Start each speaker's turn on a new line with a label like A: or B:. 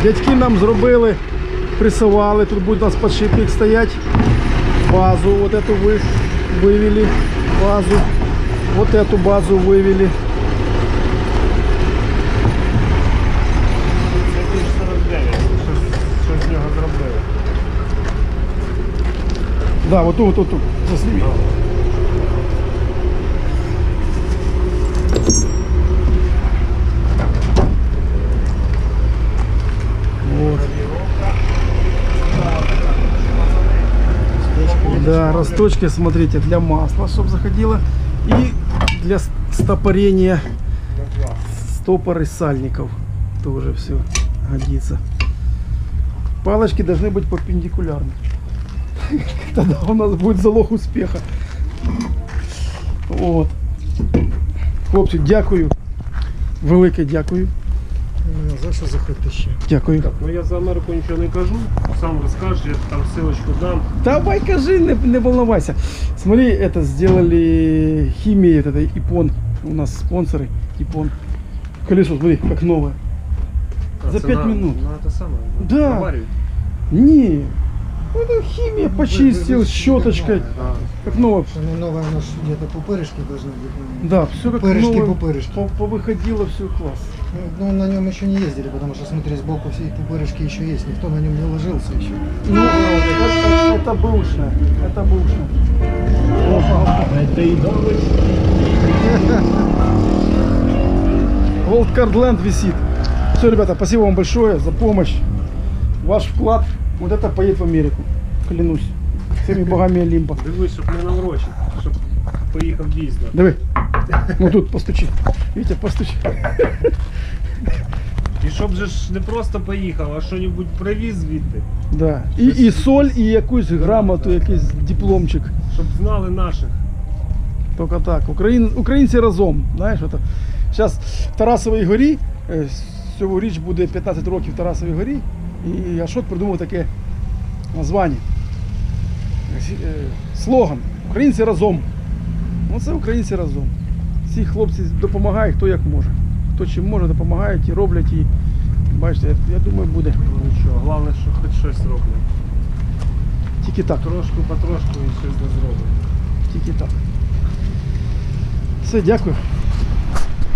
A: Дядьки нам зробили, присували, тут буде у нас подшипник стоять. Базу вот эту вывели, базу. Вот эту базу вывели.
B: Що з нього зробили?
A: Да, вот тут, засними. Вот. Да, росточки, смотрите, для масла, чтобы заходило. И для стопорения стопоры сальников. Тоже все годится. Палочки должны быть перпендикулярны. Тогда у нас будет залог успеха. Вот. Хлопці, дякую. Велике дякую.
C: За що заходити ще?
A: Дякую.
B: Так, ну я за Америку нічого не кажу, сам розкажеш, я там ссылочку дам.
A: Давай, кажи, не волновайся. Смотри, это сделали химия, это Ипон. У нас спонсоры Ипон. Колесо, смотри, как новое. За 5 минут.
B: Ну это самое.
A: Да.
B: Наваривают.
A: Не, это химия, почистил щеточкой. Как новое.
C: Оно новое, оно ж где-то пупырышки должны быть.
A: Да, все как
C: Пупырышки,
A: новое.
C: пупырышки.
A: Повыходило все класс.
C: Ну, на нем еще не ездили, потому что, смотри, сбоку все пупырышки еще есть. Никто на нем не ложился еще.
A: Ну, это бэушное. Это бэушное.
B: Это и
A: Волдкардленд висит. Все, ребята, спасибо вам большое за помощь. Ваш вклад, вот это поедет в Америку. Клянусь. Всеми богами Олимпа.
B: Дивись, щоб не наврочив, щоб поїхав дійсно.
A: Давай. Ну тут постучи. Витя, постучи.
B: І щоб же ж не просто поїхав, а що-небудь привіз звідти.
A: Да. І соль, і якусь грамоту, якийсь дипломчик.
B: Щоб знали наших.
A: Тільки так. Українці разом. Знаєш, это. Зараз в Тарасовій горі, цьогоріч буде 15 років в Тарасовій горі, і Ашот придумав таке названня. Слоган «Українці разом». Ну це українці разом. Всі хлопці допомагають, хто як може. Хто чим може, допомагають і роблять. І бачите, я думаю, буде.
B: Ну нічого, головне, що хоч щось роблять.
A: Тільки так.
B: Потрошку і щось не зроблять.
A: Тільки так. Все, дякую.